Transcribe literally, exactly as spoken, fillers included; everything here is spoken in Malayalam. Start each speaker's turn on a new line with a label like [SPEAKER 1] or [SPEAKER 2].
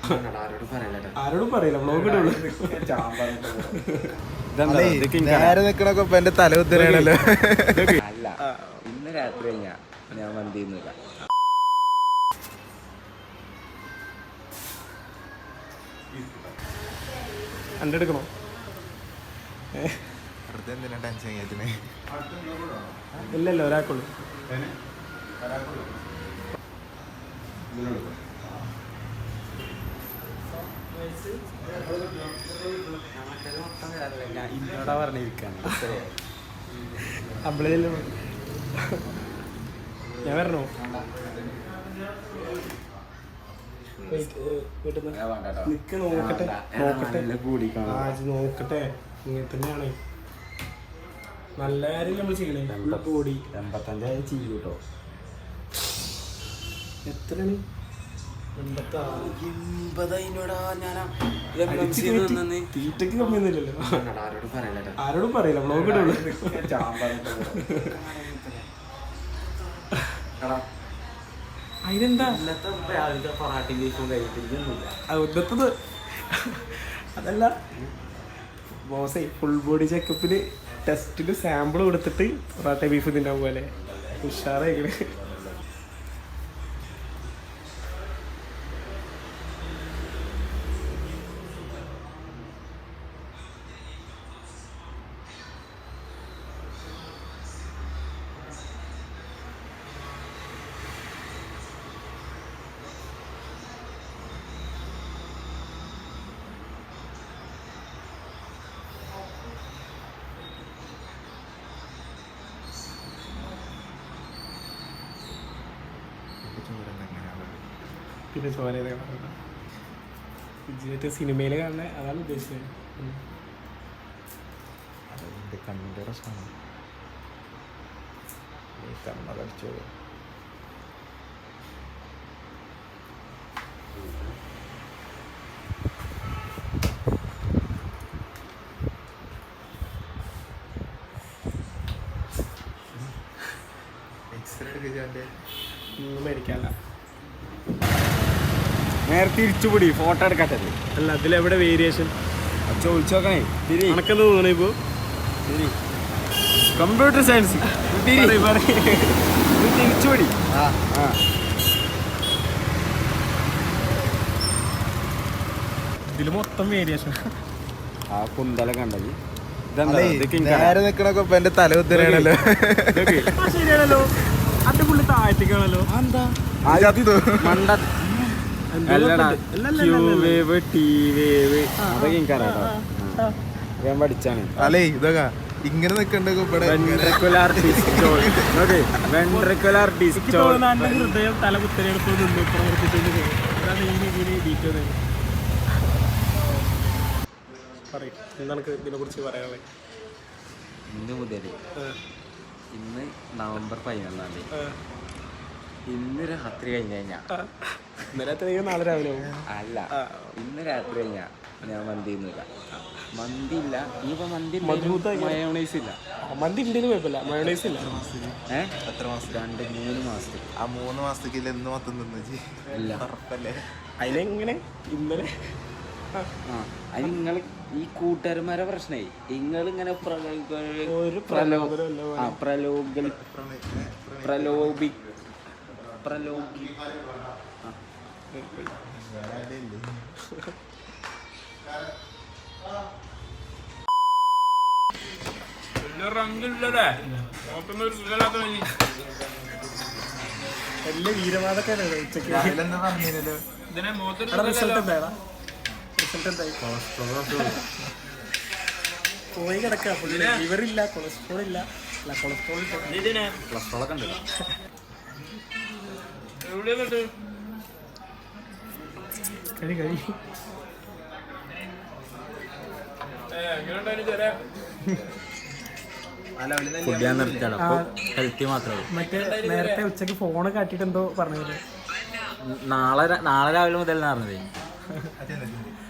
[SPEAKER 1] ആരോടും പറയില്ല വ്ളോഗ് ഇടുള്ളൂ.
[SPEAKER 2] നേരെ നിക്കണൊക്കെ ഇപ്പൊ എന്റെ തല കുത്തലാണല്ലോ.
[SPEAKER 3] അല്ല ഇന്ന് രാത്രി കഴിഞ്ഞാ ഞാൻ മന്തിയൊന്നുമില്ല.
[SPEAKER 1] എൻ്റെ എടുക്കണോ?
[SPEAKER 2] എന്തിനാ ടെൻഷൻ കേട്ടിനെ?
[SPEAKER 1] ഇല്ലല്ലോ ഒരാൾക്കുള്ളൂ.
[SPEAKER 3] ഇന്നോടാ പറഞ്ഞിരിക്കാണ്.
[SPEAKER 1] അമ്പളയിലും ഞാൻ വരണോ? നിക്ക് നോക്കട്ടെ നോക്കട്ടെ നോക്കട്ടെ. ഇങ്ങനെ തന്നെയാണ് നല്ല കാര്യം നമ്മൾ ചെയ്യണേ. ബോഡി
[SPEAKER 3] എൺപത്തഞ്ചായി ചെയ്യൂ കേട്ടോ.
[SPEAKER 1] എത്രയാണ്? തീറ്റക്ക് കമ്മിയൊന്നുമില്ലല്ലോ. ആരോടും പറയില്ല വ്ളോഗ് ഇടുള്ളൂ. അതിനെന്താ ഇന്നത്തത്? അതല്ല ബോസേ, ഫുൾ ബോഡി ചെക്കപ്പിന് ടെസ്റ്റിന് സാമ്പിൾ കൊടുത്തിട്ട് പൊറാട്ട ബീഫ് തിന്നാൻ പോലെ ഉഷാറായിക്കണേ. പിന്നെ ചോര ജീവിതത്തെ സിനിമയിൽ കാണുന്ന അതാണ് ഉദ്ദേശിച്ചത്.
[SPEAKER 2] കണ്ണിന്റെ പ്രശ്നമാണ്. കണ്ണടച്ചോ? എക്സ്റേ എടുക്കാൻ്റെ
[SPEAKER 1] ഒന്നും മേടിക്കാല്ല.
[SPEAKER 3] നേരെ തിരിച്ചുപിടി ഫോട്ടോ എടുക്കാത്തത്.
[SPEAKER 1] അല്ല അതിലെവിടെ വേരിയേഷൻ
[SPEAKER 3] ചോദിച്ചു നോക്കണേ.
[SPEAKER 1] കണക്കെന്ന് തോന്നണേ ഇപ്പോൾ
[SPEAKER 3] കമ്പ്യൂട്ടർ സയൻസ് തിരിച്ചുപിടി. ആ ആ
[SPEAKER 1] ഇതിൽ മൊത്തം വേരിയേഷൻ.
[SPEAKER 3] ആ കുന്തല കണ്ടത്
[SPEAKER 2] നേരെ നിക്കണൊക്കെ ഇപ്പൊ എന്റെ തല കുത്തലാണല്ലോ.
[SPEAKER 1] ശരിയാണല്ലോ. അത് പുള്ളി താഴ്ത്തിക്കാണല്ലോ.
[SPEAKER 3] എന്താ
[SPEAKER 1] മണ്ട
[SPEAKER 3] ഞാൻ പഠിച്ചാണ്.
[SPEAKER 2] അല്ലേ ഇതൊക്കെ ഇങ്ങനെ നിക്കണ്ടോ?
[SPEAKER 1] ഹൃദയം തല കുത്തലെടുത്ത് നിന്ന് പ്രവർത്തിച്ചത്. അതാണ് ഈ രീതിയിൽ ഡീറ്റെയിൽ പറയും. എന്താണ് ഇതിനെ കുറിച്ച് പറയാനുള്ളത്?
[SPEAKER 3] ഇന്ന് മുതൽ ഇന്ന് നവംബർ പതിനൊന്നാം തീയതി ഇന്ന് രാത്രി കഴിഞ്ഞ് കഴിഞ്ഞാ
[SPEAKER 1] നാളെ രാവിലെ
[SPEAKER 3] അല്ല ഇന്ന് രാത്രി കഴിഞ്ഞാ ഞാൻ മന്തി ഒന്നുമില്ല. മന്തി ഇല്ല. ഇനിയിപ്പോ മന്തി മയോണൈസ് ഇല്ല.
[SPEAKER 1] മന്തി ഉണ്ടെന്ന് കുഴപ്പമില്ല, മയോണൈസ് ഇല്ല.
[SPEAKER 3] ഏഹ് എത്ര മാസം? രണ്ട് മൂന്ന് മാസത്തേക്ക്.
[SPEAKER 2] ആ മൂന്ന് മാസത്തേക്ക് എന്ന് മൊത്തം തിന്നു
[SPEAKER 3] ഇല്ല
[SPEAKER 2] ഉറപ്പല്ലേ?
[SPEAKER 1] അതിലെങ്ങനെ ഇന്നലെ
[SPEAKER 3] ആ അത് നിങ്ങൾ ഈ കൂട്ടുകാരന്മാരെ പ്രശ്നമായി. നിങ്ങളിങ്ങനെ
[SPEAKER 1] ഒരു
[SPEAKER 3] പ്രലോഭി പ്രലോഭി പ്രലോഭി
[SPEAKER 1] എല്ലാ വീരവാദൊക്കെ ഉച്ചക്ക് റിസൾട്ട് എന്തായാലും റിസൾട്ട് എന്തായി? പോയി കിടക്കുക. ലിവറില്ല, കൊളസ്ട്രോൾ ഇല്ല. അല്ല കൊളസ്ട്രോൾ
[SPEAKER 3] കൊളസ്ട്രോളൊക്കെ ഉണ്ട്.
[SPEAKER 1] കഴി കഴി
[SPEAKER 3] ഫുഡ് ഞാൻ നിർത്തിയാണ്. അപ്പോൾ ഹെൽത്തി മാത്രമേ.
[SPEAKER 1] മറ്റേ നേരത്തെ ഉച്ചക്ക് ഫോണ് കാട്ടിട്ട് എന്തോ പറഞ്ഞത്.
[SPEAKER 3] നാളെ നാളെ രാവിലെ മുതൽ പറഞ്ഞത്